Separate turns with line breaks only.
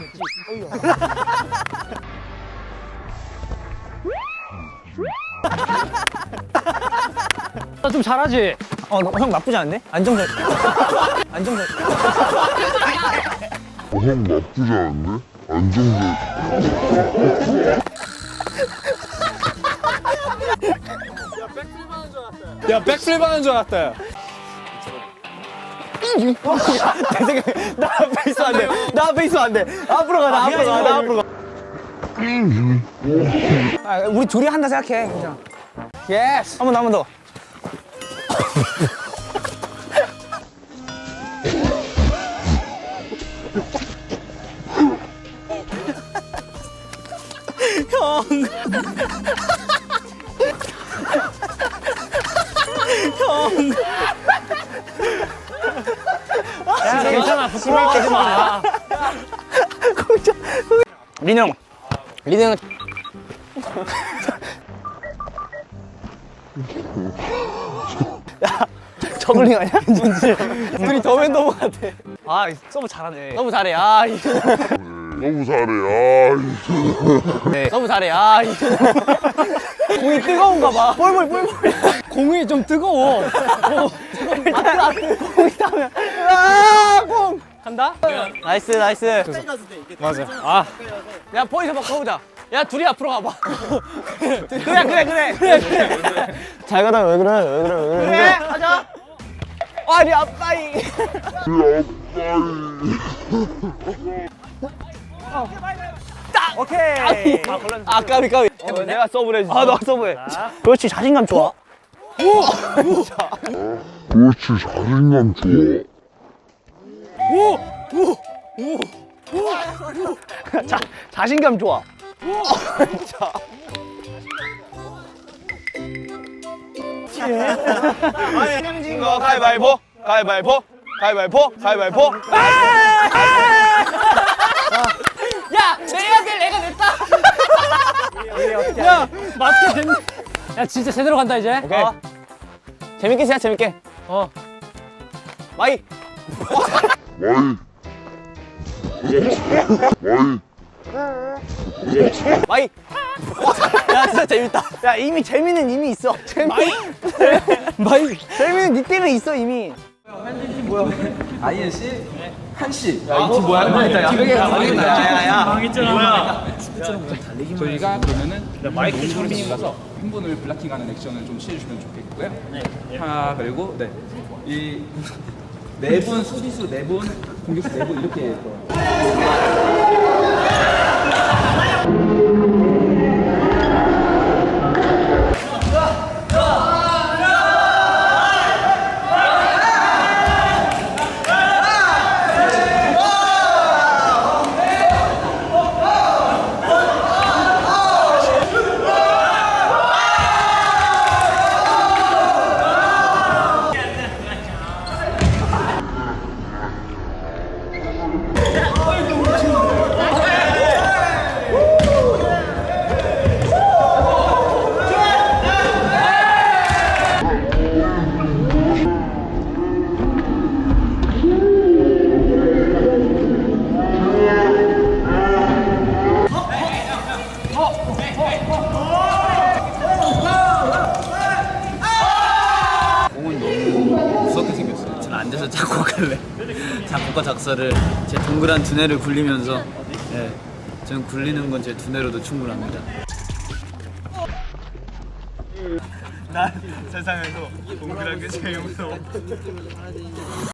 나 좀 잘하지?
형 나쁘지 않은데? 안정적. 안정적.
형 나쁘지 않은데? 안정적.
야, 백플립 하는 줄 알았다. 내 생각에 나 앞에 있으면 안 돼. 나 앞에 있으면 안 돼. 앞으로 가. 나 앞으로 가. 나 앞으로 가. 우리 둘이 한다 생각해. 그냥. 예스. 한 번 더. 형.
야, 괜찮아. 부끄러워 하지 마.
민영. 민영은 야, 저글링 아니야? 진짜. 둘이 더맨더머 같아. 아, 서브 잘하네. 너무 잘해. 아,
너무 잘해.
네. 너무 잘해. 아, 공이 뜨거운가 봐. 볼.
공이 좀 뜨거워.
공이 타면. 아, 공.
간다?
나이스. 맞아. 아, 야 포인트 바꿔보자. 야 둘이 앞으로 가봐. 그래. 잘 가다 왜 그래? 그래, 하자. 아니 아빠이. 딱. 오케이. 아 까비. 내가 서브를 해주지. 아, 너 서브해. 그렇지, 자신감 좋아.
그렇지, 자신감 좋아.
자신감 좋아.
진 거 가위바위보.
야, 내가 돼, 내가 냈다.
야, 맞게 됐네. 야, 진짜 제대로 간다, 이제.
오케이. 재밌게 시작, 재밌게. 마이. 마이. 야, 진짜 재밌다. 야, 이미 재미는 이미 있어. 마이. 재미는 니 때문에 있어, 이미.
INC 한씨. 저희가 그러면은 마이크 장비님 가서 팬분을 블락킹하는 액션을 좀 취해주시면 좋겠고요. 하나 그리고 이 네 분 수비수 네 분 공격수 네 분 이렇게
앉아서 작곡할래. 작곡과 작사를 제 동그란 두뇌를 굴리면서, 저는 굴리는 건 제 두뇌로도 충분합니다. 난 세상에서 동그란 게 제일 무서워.